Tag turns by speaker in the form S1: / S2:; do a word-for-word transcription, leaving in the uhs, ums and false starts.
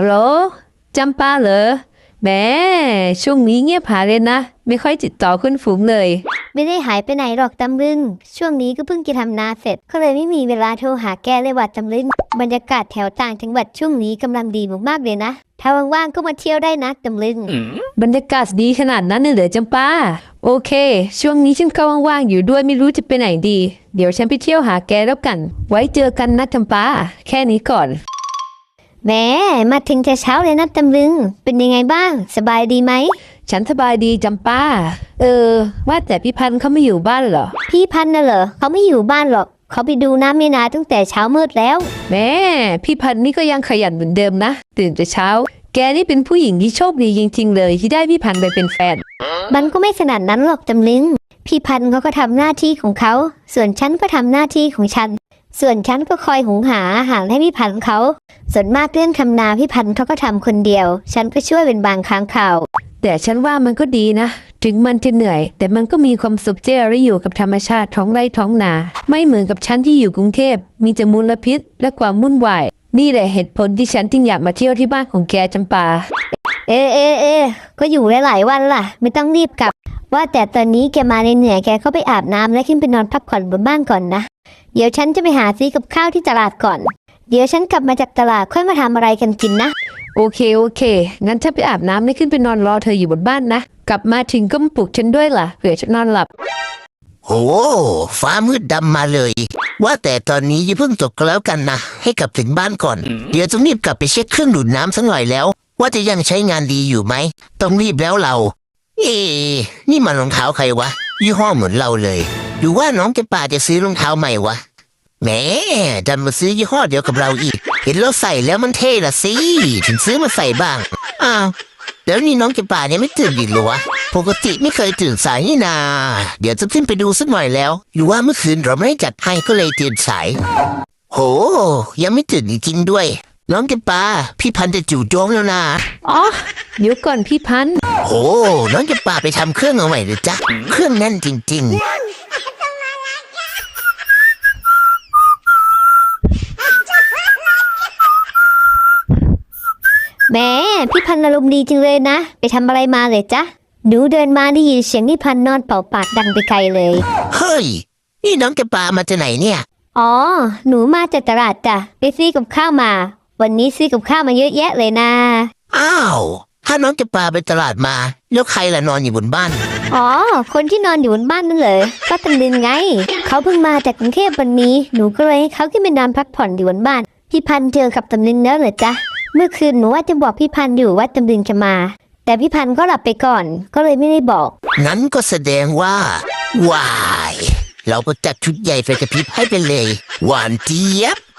S1: ฮัลโหลจำปาเหรอแหมช่วงนี้เงียบหายเลยนะไม่ค่อยติดต่อคุณฝูงเลย
S2: ไม่ได้หายไปไหนหรอกตำลึงช่วงนี้ก็เพิ่งจะทำนาเสร็จก็เลยไม่มีเวลาโทรหาแกเลยว่าตำลึงบรรยากาศแถวต่างจังหวัดช่วงนี้กำลังดีมากๆเลยนะถ้าว่างๆก็มาเที่ยวได้นะตำลึง
S1: บรรยากาศดีขนาดนั้นเลยเหรอจำปาโอเคช่วงนี้ฉันก็ว่างๆอยู่ด้วยไม่รู้จะไปไหนดีเดี๋ยวฉันไปเที่ยวหาแกแล้วกันไว้เจอกันนะจำปาแค่นี้ก่อน
S2: แหมมาถึงแต่เช้าเลยนะตำลึงเป็นยังไงบ้างสบายดีไหม
S1: ฉันสบายดีจำปาเออว่าแต่พี่พันธ์เขาไม่อยู่บ้านเหรอ
S2: พี่พันธ์น่ะเหรอเขาไม่อยู่บ้านหรอกเขาไปดูน้ำในนาตั้งแต่เช้ามืดแล้ว
S1: แม่พี่พันธ์นี่ก็ยังขยันเหมือนเดิมนะตื่นแต่เช้าแกนี่เป็นผู้หญิงที่โชคดีจริงๆเลยที่ได้พี่พันธ์ไปเป็นแฟน
S2: มันก็ไม่ขนาดนั้นหรอกตำลึงพี่พันธ์เขาก็ทำหน้าที่ของเขาส่วนฉันก็ทำหน้าที่ของฉันส่วนฉันก็คอยหุงหาอาหารให้พี่พันธ์เขาส่วนมากเรื่องทำนาพี่พันธ์เขาก็ทำคนเดียวฉันก็ช่วยเป็นบางครั้งคราว
S1: แต่ฉันว่ามันก็ดีนะถึงมันจะเหนื่อยแต่มันก็มีความสุขที่ได้อยู่กับธรรมชาติท้องไร่ท้องนาไม่เหมือนกับฉันที่อยู่กรุงเทพมีแต่มลพิษและความวุ่นวายนี่แหละเหตุผลที่ฉันจึงอยากมาเที่ยวที่บ้านของแกจำปา
S2: เอเอเอก็อยู่หลายๆวันล่ะไม่ต้องรีบกลับว่าแต่ตอนนี้แกมาเหนื่อยแกก็ไปอาบน้ำและขึ้นไปนอนพักผ่อนบนบ้านก่อนนะเดี๋ยวฉันจะไปหาซื้อกับข้าวที่ตลาดก่อนเดี๋ยวฉันกลับมาจากตลาดค่อยมาทำอะไรกันกินนะ
S1: โอเคโอเคงั้นถ้าไปอาบน้ำไม่ขึ้นไปนอนรอเธออยู่บนบ้านนะกลับมาถึงก็มาปลุกฉันด้วยล่ะเผื่อฉันนอนหลับ
S3: โอ้ฟ้ามืดดำมาเลยว่าแต่ตอนนี้อย่าเพิ่งตกก็แล้วกันนะให้กลับถึงบ้านก่อนเดี๋ยวต้องรีบกลับไปเช็คเครื่องดูดน้ำสักหน่อยแล้วว่าจะยังใช้งานดีอยู่ไหมต้องรีบแล้วเราเอ๊นี่มันรองเท้าใครวะยี่ห้อเหมือนเราเลยหรือว่าน้องแกป่าจะซื้อรองเท้าใหม่วะแหมดันมาซื้อยี่ห้อเดียวกับเราอีกเห็นเราใส่แล้วมันเท่ละสิถึงซื้อมาใส่บ้างอ้าวเดี๋ยวนี้น้องแกป่าเนี่ยไม่ตื่นอีกหรอวะปกติไม่เคยตื่นสายนี่นาเดี๋ยวจะขึ้นไปดูสักหน่อยแล้วหรือว่าเมื่อคืนเราไม่ได้จัดให้ก็เลยตื่นสายโหยังไม่ตื่นจริงๆด้วยน้องแกป่าพี่พันธุ์จะจู่โจมแล้วนะ
S1: อ๋อเดี๋ยวก่อนพี่พันธุ์
S3: โหน้องแกป่าไปทำเครื่องเอาใหม่เลยจ้ะเครื่องแน่นจริงๆ
S2: แม่พี่พันธุ์อารมณ์ดีจริงเลยนะไปทำอะไรมาเลยจ๊ะหนูเดินมาได้ยินเสียงพี่พันธุ์นอนเป่าปากดังไปไกลเลย
S3: เฮ้ยนี่น้องแกปามาจากไหนเนี่ย
S2: อ๋อหนูมาจากตลาดจ้ะไปซื้อกับข้าวมาวันนี้ซื้อกับข้าวมาเยอะแยะเลยนะ
S3: อ้าวถ้าน้องแกปาไปตลาดมาแล้วใครล่ะนอนอยู่บนบ้าน
S2: อ๋อคนที่นอนอยู่บนบ้านนั่นเลยก็ตำลึงไงเขาเพิ่งมาจากกรุงเทพวันนี้หนูก็เลยให้เขาขึ้นไปนอนพักผ่อนอยู่บนบ้านพี่พันธุ์เจอกับตำลึงแล้วเหรอจ๊ะเมื่อคืนหนูว่าจะบอกพี่พันธุ์อยู่ว่าตำลึงจะมาแต่พี่พันธุ์ก็หลับไปก่อนก็เลยไม่ได้บอก
S3: งั้นก็แสดงว่าว้ายเราก็จัดชุดใหญ่ไฟกระพริบให้ไปเลยหวานเจี๊ยบ